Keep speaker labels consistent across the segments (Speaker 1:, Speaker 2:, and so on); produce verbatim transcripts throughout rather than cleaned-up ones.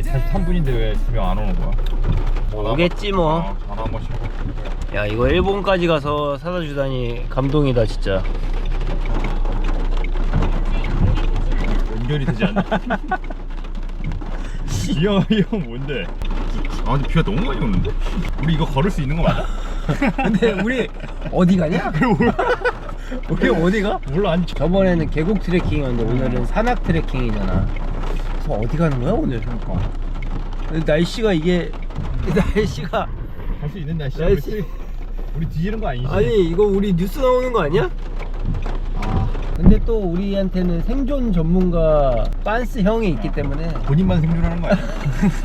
Speaker 1: 사십삼 분인데 왜 두 명 안 오는 거야?
Speaker 2: 오겠지 뭐.
Speaker 1: 어, 전화 한 번씩 해볼게.
Speaker 2: 야 이거 일본까지 가서 사다 주다니 감동이다 진짜.
Speaker 1: 연결이 되지 않나? 이 형, 이 형 뭔데? 아 근데 비가 너무 많이 오는데? 우리 이거 걸을 수 있는 거 맞아?
Speaker 2: 근데 우리 어디 가냐? 우리 어디가?
Speaker 1: 몰라. 아니
Speaker 2: 저번에는 계곡 트레킹이었는데 오늘은 산악 트레킹이잖아. 그래서 어디 가는 거야 오늘? 그러니까 날씨가 이게 날씨가
Speaker 1: 갈 수 있는 날씨야.
Speaker 2: 날씨-
Speaker 1: 우리, 우리 뒤지는 거 아니지?
Speaker 2: 아니 이거 우리 뉴스 나오는 거 아니야?
Speaker 1: 아
Speaker 2: 근데 또 우리한테는 생존 전문가 빤스 형이 있기 때문에
Speaker 1: 본인만 생존하는 거 아니야?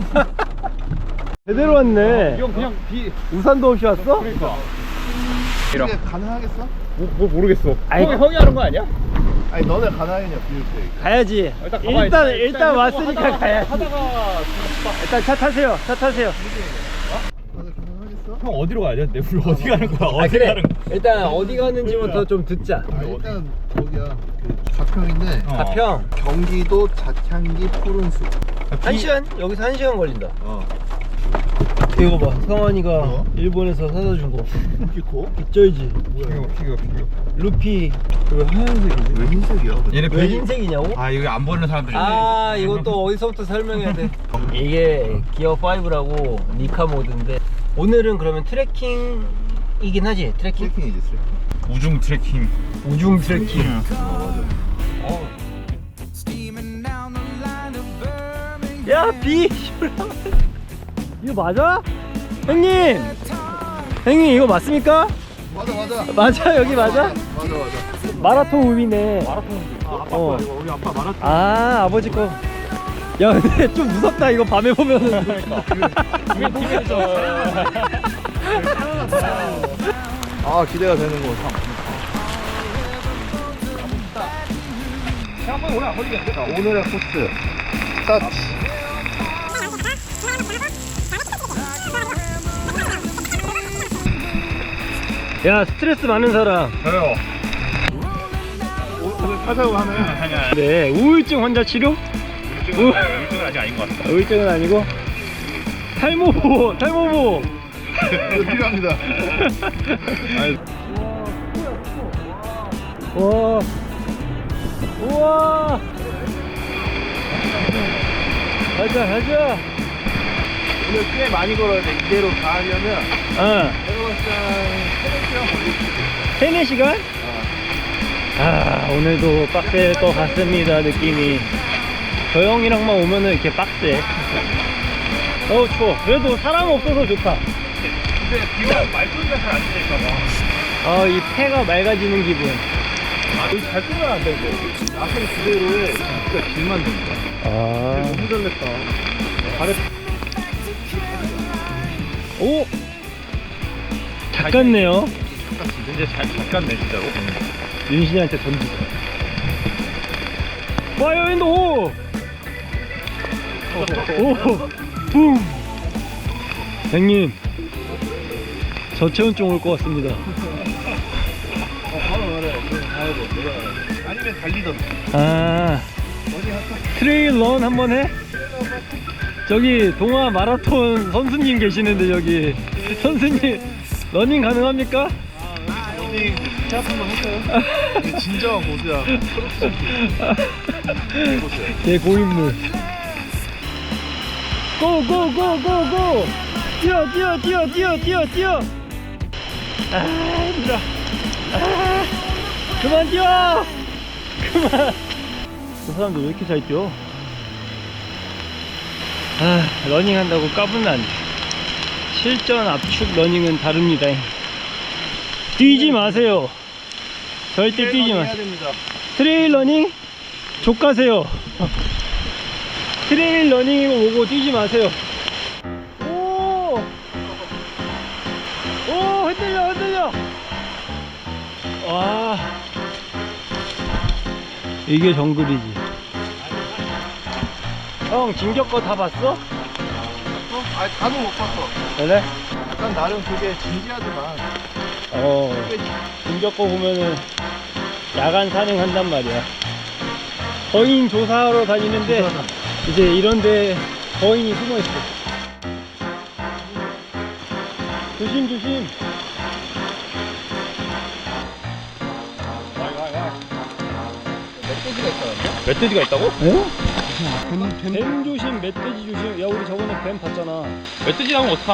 Speaker 2: 제대로 왔네.
Speaker 1: 형 그냥 비
Speaker 2: 우산도 없이 왔어?
Speaker 1: 그러니까
Speaker 3: 이게 가능하겠어?
Speaker 1: 뭐, 뭐 모르겠어.
Speaker 2: 아이,
Speaker 1: 형이, 형이 하는 거 아니야?
Speaker 3: 아니 너네 가능하겠냐 비올 때.
Speaker 2: 가야지.
Speaker 1: 일단 가봐야지.
Speaker 2: 일단 일단 왔으니까
Speaker 1: 하다가,
Speaker 2: 가야지.
Speaker 1: 하다가
Speaker 2: 일단 차 타세요. 차 타세요.
Speaker 3: 너네 가능하겠어?
Speaker 1: 형 어디로 가야 돼? 우리 어디 가는 거야? 어디
Speaker 2: 아 그래.
Speaker 1: 가는 거야?
Speaker 2: 일단 어디 가는지부터 좀 듣자.
Speaker 3: 아 일단 저기야 그 가평인데
Speaker 1: 어.
Speaker 2: 가평.
Speaker 3: 경기도 자창기 푸른숲.
Speaker 2: 한 시간? 여기서 한 시간 걸린다.
Speaker 3: 어.
Speaker 2: 이거 봐. 성환이가
Speaker 3: 어?
Speaker 2: 일본에서 사다 준 거.
Speaker 3: 키코?
Speaker 2: 쩔지.
Speaker 1: 피규어 피규어 피규어.
Speaker 2: 루피.
Speaker 3: 왜 하얀색이지? 왜 흰색이야?
Speaker 1: 얘네
Speaker 2: 왜
Speaker 1: 배-
Speaker 2: 흰색이냐고?
Speaker 1: 아 이거 안 보는 사람들이.
Speaker 2: 아 이것도 어디서부터 설명해야 돼. 이게 기어 파이브라고 니카 모드인데 오늘은 그러면 트레킹이긴 하지. 트레킹?
Speaker 3: 트레킹이지 트레킹.
Speaker 1: 우중 트레킹.
Speaker 2: 우중 트레킹.
Speaker 1: 어.
Speaker 2: 야 비. 이거 맞아? 형님. 형님 이거 맞습니까?
Speaker 3: 맞아 맞아.
Speaker 2: 맞아 여기 맞아?
Speaker 3: 맞아 맞아.
Speaker 2: 마라톤 우비네.
Speaker 1: 마라톤. 아 아빠
Speaker 2: 어.
Speaker 1: 거 이거 우리 아빠 마라톤.
Speaker 2: 아 아버지 거. 야 근데 좀 무섭다 이거 밤에 보면은.
Speaker 1: 그러니까. 그게 팀에서.
Speaker 3: 아 기대가 되는 거.
Speaker 1: 생각보다 오래 안 걸리겠다.
Speaker 3: 자 오늘의 코스 스타트.
Speaker 2: 야 스트레스 많은 사람.
Speaker 1: 저요.
Speaker 3: 오늘 타자고 하네.
Speaker 1: 아니야.
Speaker 2: 네 우울증 환자 치료?
Speaker 1: 우울증은 우울증은 아직 아닌 것 같아.
Speaker 2: 우울증은 아니고 탈모보 탈모보.
Speaker 3: 이거 필요합니다.
Speaker 2: 와 우와 가자 가자.
Speaker 3: 오늘 꽤 많이 걸어야 돼. 이대로 가려면
Speaker 2: 어
Speaker 3: 내가 봤을 때 세네 시간 걸릴 수도 있어.
Speaker 2: 세네 시간? 아 오늘도 빡셀 것 같습니다. 느낌이 저 형이랑만 오면은 이렇게 빡세. 어우 추워. 그래도 사람 없어서 좋다.
Speaker 1: 근데 비가 말소리가 잘 안 들릴까 봐.
Speaker 2: 아 이 폐가 맑아지는 기분.
Speaker 1: 아 여기 잘 끄면 안 되는데.
Speaker 3: 야생 그대로에 진짜 길만 듭니다.
Speaker 2: 아
Speaker 3: 너무 잘 냈다.
Speaker 1: 발에
Speaker 2: 오! 작갔네요.
Speaker 1: 이제 잘 잠깐네 진짜로.
Speaker 2: 윤신이한테 던지자. 파이어 인더 호! 오! 붐! 형님 저체온증 올 것 같습니다.
Speaker 3: 바로 말해. 가야 돼. 내려가야 돼. 아니면 달리던가.
Speaker 2: 아 트레일 런 한번 해? 저기 동아 마라톤 선수님 계시는데 여기 선수님 러닝 가능합니까?
Speaker 3: 러닝 시합 한번 할까요? 이게 진정한 고수야. 고수야.
Speaker 2: 제 고인물. 고고고고고! 뛰어 뛰어 뛰어 뛰어 뛰어 뛰어! 아 힘들어. 아 그만 뛰어! 그만. 저 사람들 왜 이렇게 잘 뛰어? 아 러닝 한다고 까분난 실전 압축 러닝은 다릅니다. 뛰지 마세요. 절대 뛰지
Speaker 3: 해야
Speaker 2: 마세요.
Speaker 3: 됩니다.
Speaker 2: 트레일 러닝 족가세요. 트레일 러닝이고 뭐고 뛰지 마세요. 오! 오 흔들려 흔들려. 와 이게 정글이지. 형 진격 거 다 봤어?
Speaker 3: 어? 아니 다는 못 봤어.
Speaker 2: 그래?
Speaker 3: 약간 나름 그게 진지하지만
Speaker 2: 어 진격 거 보면은 야간 산행한단 말이야. 거인 조사하러 다니는데 이제 이런데 거인이 숨어있어. 조심 조심.
Speaker 1: 멧돼지가 있다고?
Speaker 2: 에? 뱀, 뱀 조심, 멧돼지 조심. 야 우리 저번에 뱀 봤잖아.
Speaker 1: 멧돼지 나오면 어떡함?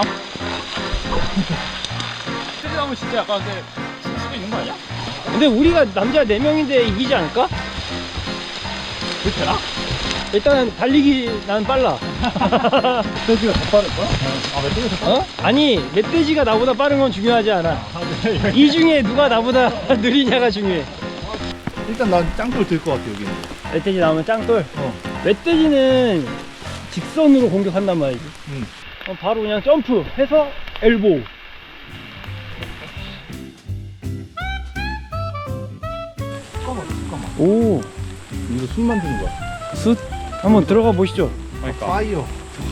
Speaker 1: 멧돼지 나오면 진짜 약간 근데 죽을 수도 있는 거 아니야?
Speaker 2: 근데 우리가 남자 네 명인데 이기지 않을까?
Speaker 1: 그렇게 되나?
Speaker 2: 일단 달리기 난 빨라.
Speaker 1: 멧돼지가 더 빠를 거야? 아 멧돼지가 더
Speaker 2: 어? 아니 멧돼지가 나보다 빠른 건 중요하지 않아. 이 중에 누가 나보다 느리냐가 중요해.
Speaker 3: 일단 난 짱돌 들 것 같아 여기는.
Speaker 2: 멧돼지 나오면 짱돌.
Speaker 3: 어.
Speaker 2: 멧돼지는 직선으로 공격한단 말이지.
Speaker 3: 응.
Speaker 2: 어, 바로 그냥 점프 해서 엘보.
Speaker 3: 잠깐만 잠깐만.
Speaker 2: 오,
Speaker 3: 이거 숨 만드는 거야.
Speaker 2: 숯 한번 들어가 보시죠.
Speaker 1: 그러니까
Speaker 3: 파이어.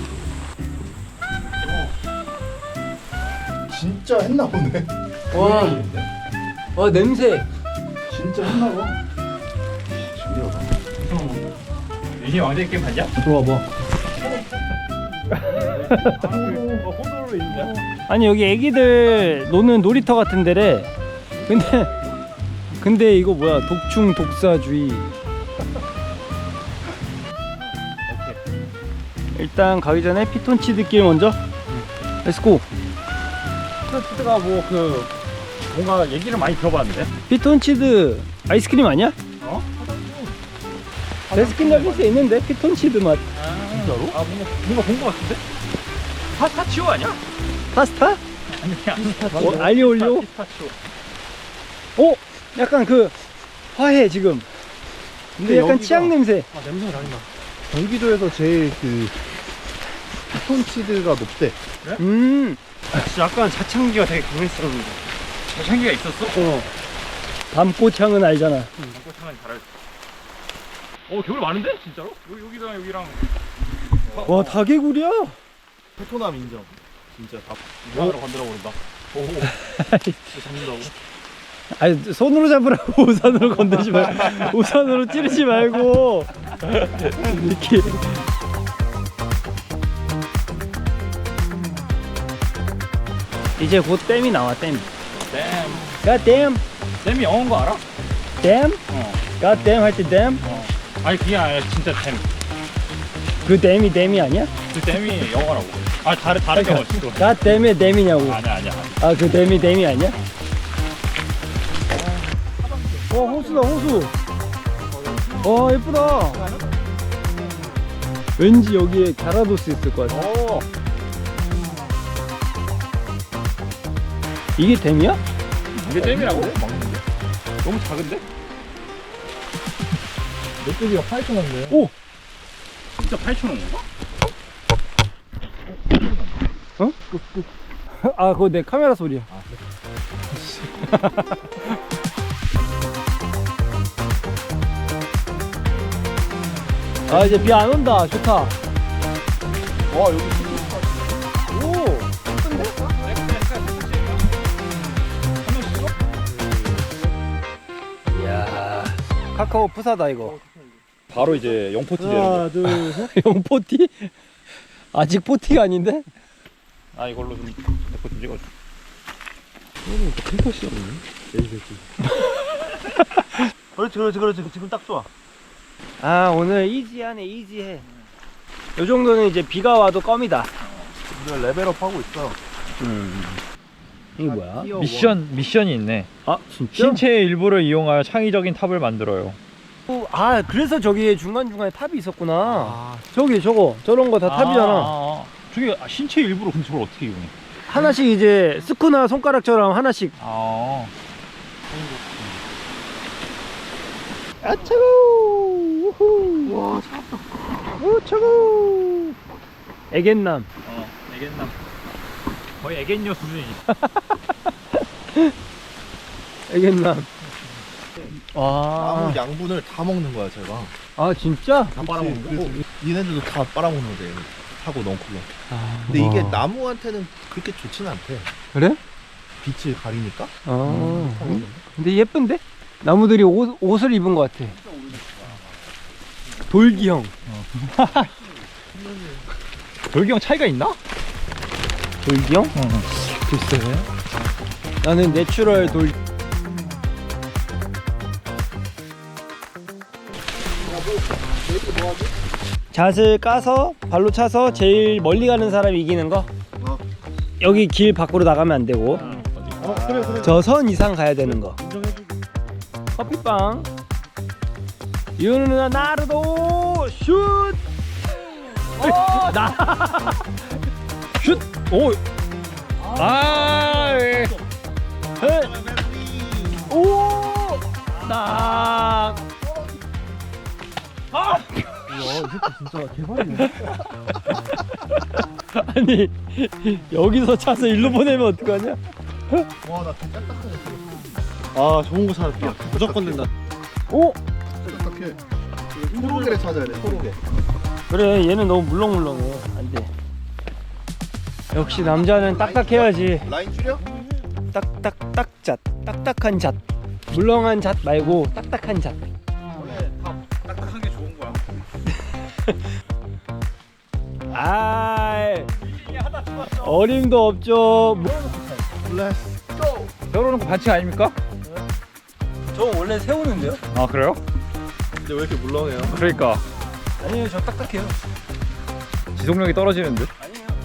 Speaker 3: 진짜 했나 보네.
Speaker 2: 와, 와 냄새.
Speaker 3: 진짜 했나 봐. 신기하다.
Speaker 1: 이게 왕자의 게임 봤냐?
Speaker 2: 들어와 봐.
Speaker 1: 호도로 있냐?
Speaker 2: 아니 여기 애기들 노는 놀이터 같은 데래. 근데 근데 이거 뭐야? 독충 독사주의. 일단 가기 전에 피톤치드길 먼저. 렛츠고.
Speaker 1: 피톤치드가 뭐 그 뭔가 얘기를 많이 들어봤는데?
Speaker 2: 피톤치드 아이스크림 아니야?
Speaker 1: 어?
Speaker 2: 베스킨라빈스에 있는데 피톤치드 맛.
Speaker 1: 진짜로? 아 뭔가 뭔가 본 거 같은데? 파스타치오 아니야?
Speaker 2: 파스타?
Speaker 1: 아니야.
Speaker 2: 어, 알리올리오?
Speaker 1: 피스타치오.
Speaker 2: 오, 약간 그 화해 지금. 근데 약간
Speaker 3: 여기가-
Speaker 2: 치약 냄새.
Speaker 3: 아 냄새가 많이 나. 경기도에서 제일 그 피톤치드가 높대.
Speaker 2: 음,
Speaker 1: 진짜 약간 자창기가 되게 강했었는데. 자창기가 있었어?
Speaker 2: 어. 밤꽃향은 알잖아.
Speaker 1: 꽃창은 잘 알지. 어 개울 많은데? 진짜로? 여기, 여기랑 여기랑
Speaker 2: 와, 다개구리야?
Speaker 3: 페토남 인정. 진짜 다.
Speaker 1: 이만으로 건드려 버린다. 오. 잡는다고?
Speaker 2: 아니 손으로 잡으라고. 우산으로 건들지 말고. 우산으로 찌르지 말고. 이렇게. 이제 곧 댐이 나와. 댐.
Speaker 1: 댐.
Speaker 2: God damn.
Speaker 1: 댐이 영어인 거 알아?
Speaker 2: 댐?
Speaker 1: 어.
Speaker 2: God damn 할 때 댐?
Speaker 1: 어. 아니 그게 아니라 진짜 댐.
Speaker 2: 그 댐이 댐이 아니야?
Speaker 1: 그 댐이 영어라고. 아 다른 다른 영어 진짜.
Speaker 2: God damn의 댐이냐고.
Speaker 1: 아니야 아니야.
Speaker 2: 아, 그 댐이 댐이 아니야? 와, 호수다, 호수. 와, 예쁘다. 왠지 여기에 갸라도스 있을 것 같아.
Speaker 1: 오.
Speaker 2: 이게 댐이야?
Speaker 1: 이게 댐이라고? 먹는데? 너무 작은데?
Speaker 3: 멧돼지가 파이터 났네.
Speaker 2: 오!
Speaker 1: 진짜 팔천 원인가?
Speaker 2: 어? 아, 그거 내 카메라 소리야. 아, 이제 비 안 온다. 좋다.
Speaker 3: 와 여기
Speaker 2: 오! 이야, 카카오 푸사다 이거.
Speaker 1: 바로 이제 영포티
Speaker 3: 하나 둘 셋.
Speaker 2: 영포티? 아직 포티가 아닌데?
Speaker 1: 아 이걸로 좀 내거 좀 찍어줘.
Speaker 3: 핑크씨 없네. 에이새끼. 그렇지 그렇지 그렇지 지금 딱 좋아.
Speaker 2: 아, 오늘 이지하네. 이지해. 요 정도는 이제 비가 와도 껌이다.
Speaker 3: 우리가 레벨업 하고 있어.
Speaker 2: 음. 이게 뭐야?
Speaker 4: 미션 미션이 있네.
Speaker 2: 아, 진짜?
Speaker 4: 신체의 일부를 이용하여 창의적인 탑을 만들어요.
Speaker 2: 아, 그래서 저기 중간중간에 탑이 있었구나.
Speaker 3: 아
Speaker 2: 저기 저거 저런 거 다 탑이잖아.
Speaker 1: 아, 아. 저게 신체 일부러 근데 저걸 어떻게 이용해?
Speaker 2: 하나씩 이제 스쿠나 손가락처럼 하나씩.
Speaker 1: 아.
Speaker 2: 아, 차고. 우후. 와, 차갑다. 오, 차고. 애견남.
Speaker 1: 어. 애견남. 거의 애견녀 수준이지.
Speaker 2: 애견남. 와.
Speaker 3: 나무 양분을 다 먹는 거야 제가.
Speaker 2: 아, 진짜?
Speaker 1: 다 빨아먹는 거?
Speaker 3: 그래서 얘네들도 다 빨아먹는 거대. 하고 넝쿨로.
Speaker 2: 아,
Speaker 3: 근데 이게
Speaker 2: 와.
Speaker 3: 나무한테는 그렇게 좋진 않대.
Speaker 2: 그래?
Speaker 3: 빛을 가리니까.
Speaker 2: 아.
Speaker 3: 음.
Speaker 2: 근데 예쁜데? 나무들이 옷, 옷을 입은 것 같아. 돌기형.
Speaker 4: 돌기형 차이가 있나?
Speaker 2: 돌기형? 글쎄. 나는 내추럴 돌. 잣을 까서 발로 차서 제일 멀리 가는 사람이 이기는 거.
Speaker 3: 어.
Speaker 2: 여기 길 밖으로 나가면 안 되고
Speaker 3: 어 그래 그래.
Speaker 2: 저 선 이상 가야 되는 거. 커피빵. 유는 누나 나르도 슛. 어, 나.
Speaker 4: 슛! 오! 아! 예.
Speaker 2: 헤. 오. 딱.
Speaker 3: 와, 이 새끼 진짜 개발이네.
Speaker 2: 아니 여기서 차서 일로 보내면 어떡하냐?
Speaker 3: 와, 나 진짜 딱딱해. 아, 좋은 거 찾았다. 무조건 된다.
Speaker 2: 오.
Speaker 3: 딱딱해. 토로게를 찾아야 돼. 토로게.
Speaker 2: 그래 얘는 너무 물렁물렁해. 안돼. 역시 남자는 딱딱해야지.
Speaker 3: 라인 줄여?
Speaker 2: 딱딱딱잣. 딱딱한 잣. 물렁한 잣 말고 딱딱한 잣.
Speaker 1: 딱딱한 게 좋은 거야.
Speaker 2: 아 어림도 없죠.
Speaker 3: 렛츠 고.
Speaker 4: 세우는 거 반칙 아닙니까?
Speaker 2: 저 원래 세우는데요?
Speaker 4: 아 그래요?
Speaker 3: 근데 왜 이렇게 물렁해요?
Speaker 4: 그러니까
Speaker 2: 아니에요 저 딱딱해요.
Speaker 4: 지속력이 떨어지는 듯.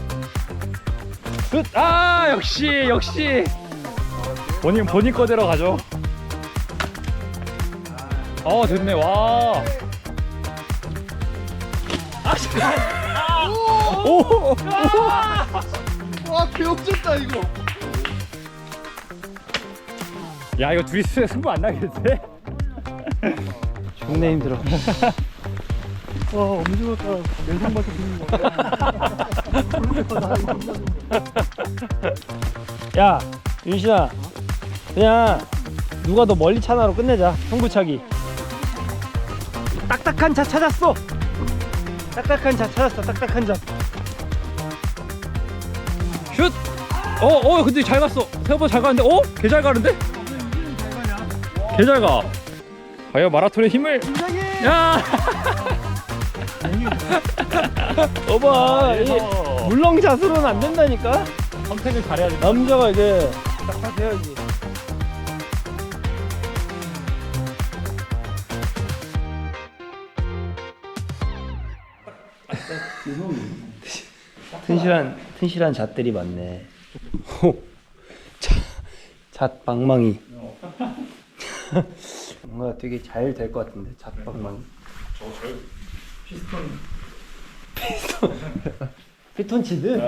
Speaker 4: 슛! 아 역시 역시 본인 본인 거대로 가죠. 어 됐네 와.
Speaker 2: 오.
Speaker 3: 와, 개업졌다 이거.
Speaker 4: 야 이거 둘이 스- 승부 안 나겠는데?
Speaker 2: 존나 힘들어.
Speaker 3: 와, 엄지가 내상밖에 드는 거야.
Speaker 2: 야 윤신아 그냥 누가 더 멀리 차나로 끝내자. 승부차기. 딱딱한 차 찾았어. 딱딱한 차 찾았어. 딱딱한 차.
Speaker 4: 슛! 어, 어, 근데 잘 갔어. 생각보다 잘 가는데, 어? 개 잘 가는데? 개 잘 가. 과연 마라톤의 힘을. 야!
Speaker 2: 봐봐 이 물렁잣으로는 안 된다니까.
Speaker 4: 선택을 잘해야 돼.
Speaker 2: 남자가 이게 딱딱해야지. 튼실한 튼실한 잣들이 많네. 오, 잣, 잣 방망이. 뭔가 되게 잘 될 것 같은데 잣 방망이.
Speaker 1: 저저 피스톤.
Speaker 2: 피스톤 피톤치드.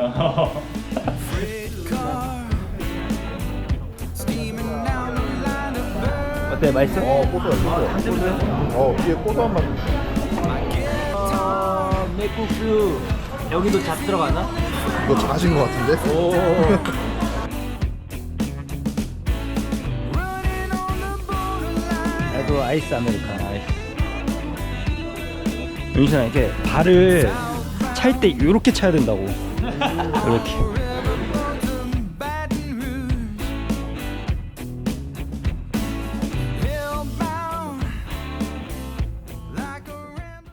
Speaker 2: 어때 맛있어?
Speaker 3: 어, 고소해, 고소해. 어, 뒤에 고소한 맛.
Speaker 2: 아, 맥국수 여기도 잣 들어가나?
Speaker 3: 이거 자신 거 같은데?
Speaker 2: 오. 나도 아이스 아메리카노. 아이스. 윤신아 이렇게 발을 찰 때 이렇게 차야 된다고. 이렇게.